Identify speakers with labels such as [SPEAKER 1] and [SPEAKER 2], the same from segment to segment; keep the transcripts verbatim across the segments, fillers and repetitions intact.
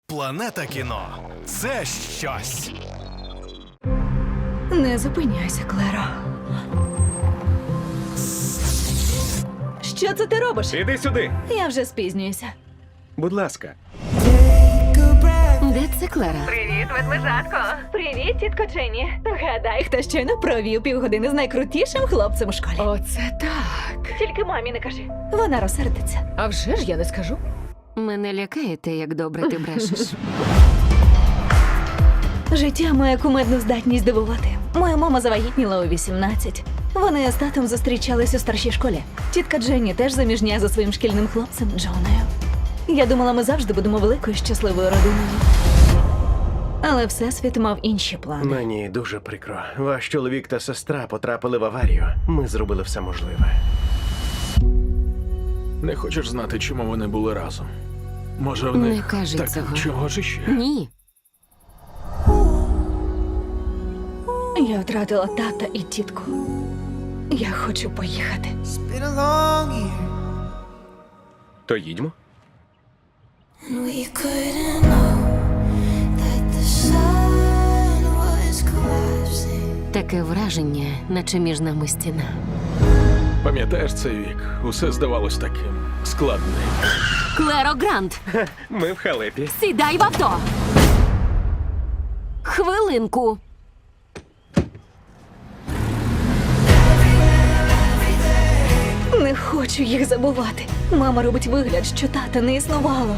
[SPEAKER 1] Планета кіно – це щось.
[SPEAKER 2] Не зупиняйся, Клеро. Що це ти робиш?
[SPEAKER 3] Іди сюди.
[SPEAKER 2] Я вже спізнююся.
[SPEAKER 3] Будь ласка.
[SPEAKER 2] Де це Клера? Привіт, ведмежатко. Привіт, тітко Дженні. Гадай, хто щойно провів півгодини з найкрутішим хлопцем у школі.
[SPEAKER 4] Оце так.
[SPEAKER 2] Тільки мамі не кажи. Вона розсердиться.
[SPEAKER 4] А вже ж я не скажу.
[SPEAKER 5] Мене лякає те, як добре ти брешеш.
[SPEAKER 2] Життя має кумедну здатність дивувати. Моя мама завагітніла у вісімнадцять. Вони з татом зустрічались у старшій школі. Тітка Дженні теж заміжня за своїм шкільним хлопцем Джоною. Я думала, ми завжди будемо великою щасливою родиною. Але всесвіт мав інші плани.
[SPEAKER 3] Мені дуже прикро. Ваш чоловік та сестра потрапили в аварію. Ми зробили все можливе.
[SPEAKER 6] Не хочеш знати, чому вони були разом? Може, в них
[SPEAKER 5] Не кажи
[SPEAKER 6] так
[SPEAKER 5] цього.
[SPEAKER 6] чого ж іще?
[SPEAKER 5] Ні.
[SPEAKER 2] Я втратила тата і тітку. Я хочу поїхати.
[SPEAKER 3] То їдьмо.
[SPEAKER 7] We couldn't know that the sun was collapsing.
[SPEAKER 5] Таке враження, наче між нами стіна.
[SPEAKER 6] Пам'ятаєш цей вік? Усе здавалось таким складним.
[SPEAKER 5] Клеро Грант,
[SPEAKER 3] Ми в халепі.
[SPEAKER 5] сідай в авто! Хвилинку.
[SPEAKER 2] Не хочу їх забувати. Мама робить вигляд, що тата не існувало.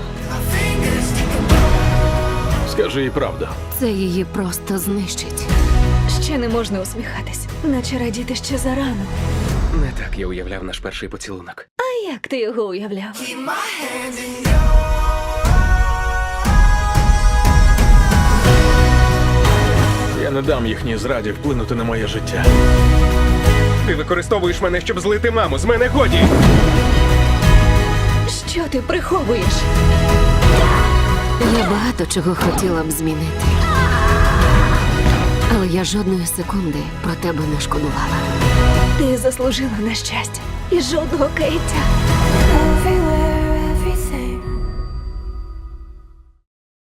[SPEAKER 6] Скажи їй правду.
[SPEAKER 5] Це її просто знищить.
[SPEAKER 2] Ще не можна усміхатись, наче радіти ще зарано.
[SPEAKER 3] Не так я уявляв наш перший поцілунок.
[SPEAKER 2] А як ти його уявляв?
[SPEAKER 6] Я не дам їхній зраді вплинути на моє життя.
[SPEAKER 3] Ти використовуєш мене, щоб злити маму. З мене годі!
[SPEAKER 2] Що ти приховуєш?
[SPEAKER 5] Я багато чого хотіла б змінити. Але я жодної секунди про тебе не шкодувала.
[SPEAKER 2] Ти заслужила на щастя і жодного каяття.